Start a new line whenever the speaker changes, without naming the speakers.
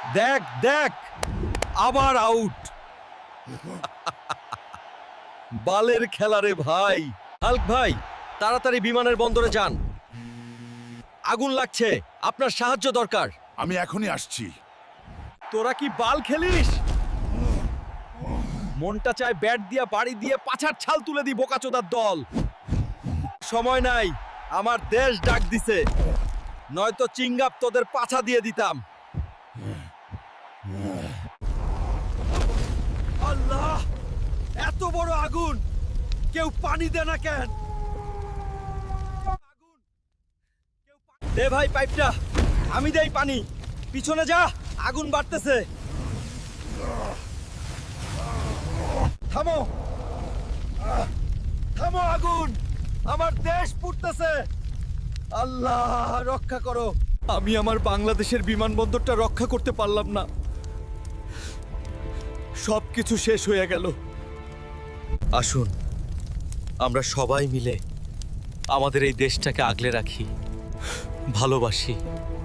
দেখ দেখ, আবার আউট। বালের খেলা রে ভাই। হাল্ক ভাই, তাড়াতাড়ি বিমানের বন্দরে যান, আগুন লাগছে, আপনার সাহায্য দরকার।
আমি এখনই আসছি।
তোরা কি বাল খেলিস? মনটা চায় ব্যাট দিয়া বাড়ি দিয়ে পাছার ছাল তুলে দি বোকাচোদার দল। সময় নাই, আমার দেশ ডাক দিছে, নয়তো চিঙ্গাপ তোদের পাছা দিয়ে দিতাম। আল্লাহ, এত বড় আগুন, কেউ পানি দে না কেন? দে ভাই পাইপটা, আমি দেই পানি। পিছনে যা, আগুন বাড়তেছে। থামো, থামো আগুন, আমার দেশ পুড়তেছে। আল্লাহ রক্ষা করো। আমি আমার বাংলাদেশের বিমানবন্দরটা রক্ষা করতে পারলাম না, সবকিছু শেষ হয়ে গেল। আসুন, আমরা সবাই মিলে আমাদের এই দেশটাকে আগলে রাখি, ভালোবাসি।